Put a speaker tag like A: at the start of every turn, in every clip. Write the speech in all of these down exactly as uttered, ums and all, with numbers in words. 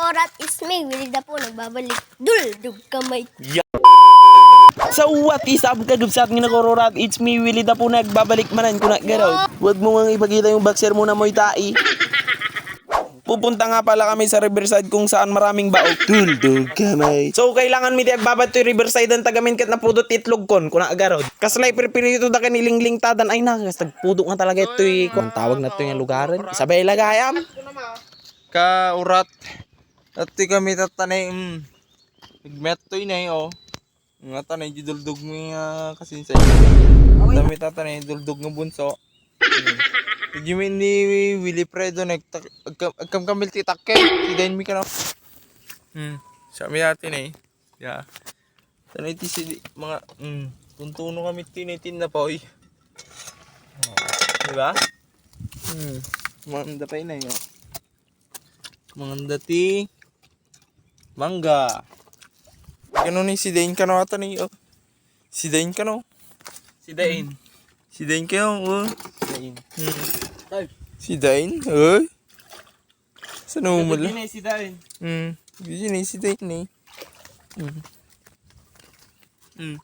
A: nakaurat is me. Willy da po nagbabalik. Duldog kamay.
B: Yeah. So what is up kagubsat nga nakaurat? It's me Willy da po nagbabalik manan ko na garaw. Huwag mo nga ipakita yung boxer mo na mo'y tai. Pupunta nga pala kami sa Riverside kung saan maraming baok. Duldog kamay. So kailangan mi di agbabat to Riverside ang tagamin kat na pudot itlog kon kuna agarod. Kaslay perpirito da kanilingling tadan ay nakas tagpudo nga talaga ito eh. Kung tawag na to yung lugaran. Isabay lagayam.
C: Ka urat. At kami tatanay mm. Nagmet to inay oh. Nga tanay duldog mi uh, kasinsay. Dami tatanay duldog nga bunso. Hmm. Pagyamin ni Willy Fredo nagkam kamil titakke. Sidain mi ka na. Hmm. Sabi natin eh. Yeah. Tanay ti si mga mm. Tuntuno kami tinitin na pa oy. Oh. Diba? Hmm. Manda pa inay oh. Mga dati mangga. Gano'n ni si Dain ka na ata ni oh. Si Dain ka no. Si Dain. Si Dain ka oh. Dain. Hmm. Si Dain? Oy. Saan mo mula?
B: Hindi si Dain.
C: Hmm. Hindi na si Dain eh. Hmm. Hmm.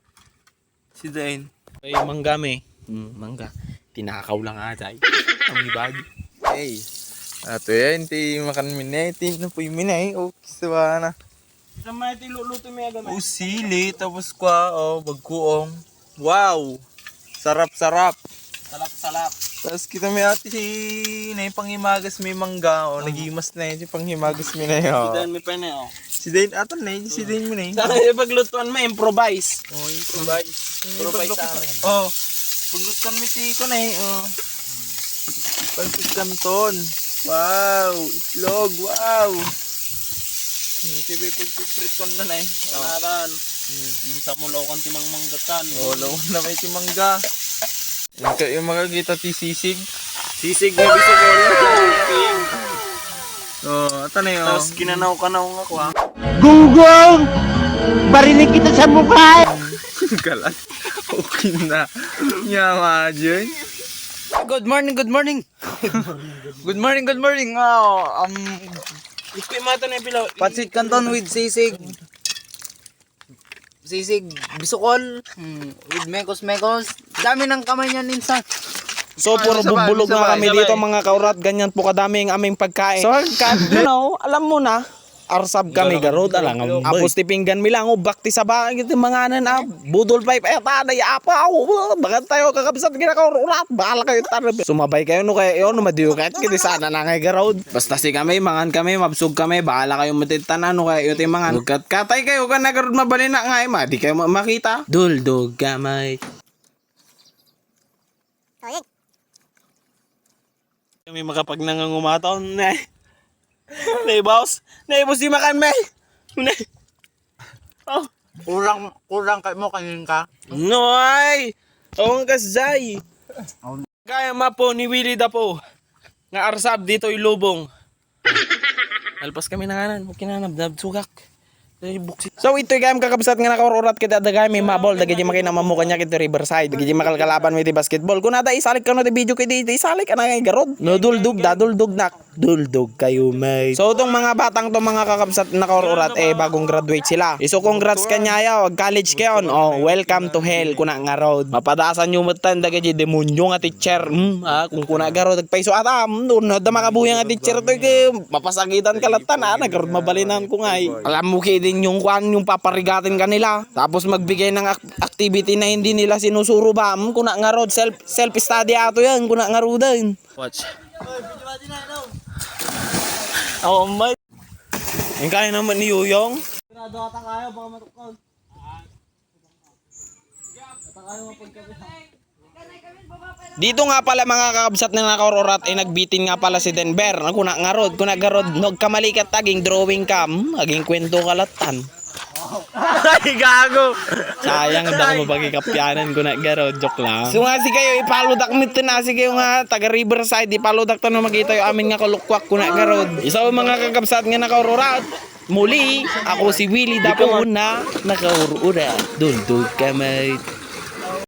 C: Si Dain.
B: Ay mangga me. Hmm, mangga. Tinakaw lang ata. Ang ibag.
C: Hey. Ato yan, ti makan minay, ti na po yung minay, o kisawa na.
B: Sama ito luluto mo yung
C: O sili, tapos kwa, o bagkuong. Wow! Sarap-sarap.
B: Salap-salap.
C: Tapos kita may ati si na yung panghimagas may mangga, o nagimas na yun, si panghimagas may na yun.
B: Si Dain may pa na oh.
C: Si Dain, ato na yun, si Dain mo na yun.
B: Sana yung paglutuan mo, improvise.
C: O, improvise.
B: Improvise sa amin.
C: O, paglutuan mo ti ko na yun, o. Pansit Canton. Wow! Itlog! Wow! Hmm, sige, pagpipriton na na eh.
B: Kanaran. Hmm. Yung sa mulaw kang timang manggatan.
C: Oo, oh, lawan na may timangga. Yung, yung makakita ti sisig.
B: Sisig na bisig ko lang.
C: Oo, oh, ata na yun.
B: Tapos kinanaw-kanaw nga ko ha.
D: Gunggong! Barinig kita sa mukha!
C: Galat. Okay na. Nyama dyan.
D: Good morning, good morning!
C: Good morning, good morning. Oh, um,
B: Ikwi mata na yung pilaw.
D: Pansit Canton with sisig. Sisig, bisukol, hmm, with mekos-mekos. Dami ng kamay niya minsan.
B: So puro
C: Sabay,
B: bubulog na
C: sabay,
B: kami
C: sabay.
B: dito mga kaurat. Ganyan po kadami ang aming pagkain. So kat, you know, alam mo na. Arsab kami garod alang apos tipinggan mi lang o bakti sa bahay iti mga nan ah budol pipe eh tanay apa oh bagat tayo kakabsat gina ka urat bahala kayo tarab sumabay kayo no kay yo no madiyo kat kiti sana na ngay garod basta si kami mangan kami mabsug kami bahala kayo matitanan no kay yo ti mangan kat katay kayo kan nagarod mabali na ngay ma di kayo makita duldog gamay kami makapag nangangumataon na Nay boss, nay boss di makan me. Nay. Oh,
D: Kurang, kurang kay mo kanin ka.
B: noy. Ong kasay. Kaya mapo ni Willy da po. Nga arsab dito ilubong. Alpas kami na kanan, kinanab dab sugak. So ito yung kakabsat nga nakaurat kita dagay may mabol dagay di makina mamuka niya kito Riverside dagay di makalkalaban may ti basketball kung nada isalik ka no ti video kay di isalik ka na ngay garod no duldug da duldug nak duldug kayo may so itong mga batang to mga kakabsat na nakaurat eh bagong graduate sila iso congrats kanya yaw college kayon oh welcome to hell kuna nga road mapadasan nyo matan dagay di demonyo nga teacher hmm, ah, kung kuna garod nagpaiso atam no da makabuya nga teacher to kay mapasagitan kalatan ah nagarod mabalinan ko nga alam mo kay yung kwan yung paparigatin kanila tapos magbigay ng ak- activity na hindi nila sinusuro ba hmm, kuna nga road self self study ato yan kuna nga road din watch oh my yung kaya naman ni Yuyong dito nga pala mga kakabsat na nakaurat ay nagbitin nga pala si Denver kuna nga road kuna nga road nagkamalikat taging drawing cam aging kwento kalatan ay gago sayang daw mo pagkikapyanan kuna nga road joke lang so nga si kayo ipaludak nito na si kayo nga taga Riverside ipaludak tanong magita yung amin nga kalukwak kuna nga road isa mga kakabsat nga nakaurat muli ako si Willy Dapo na nakaurat duldog kamay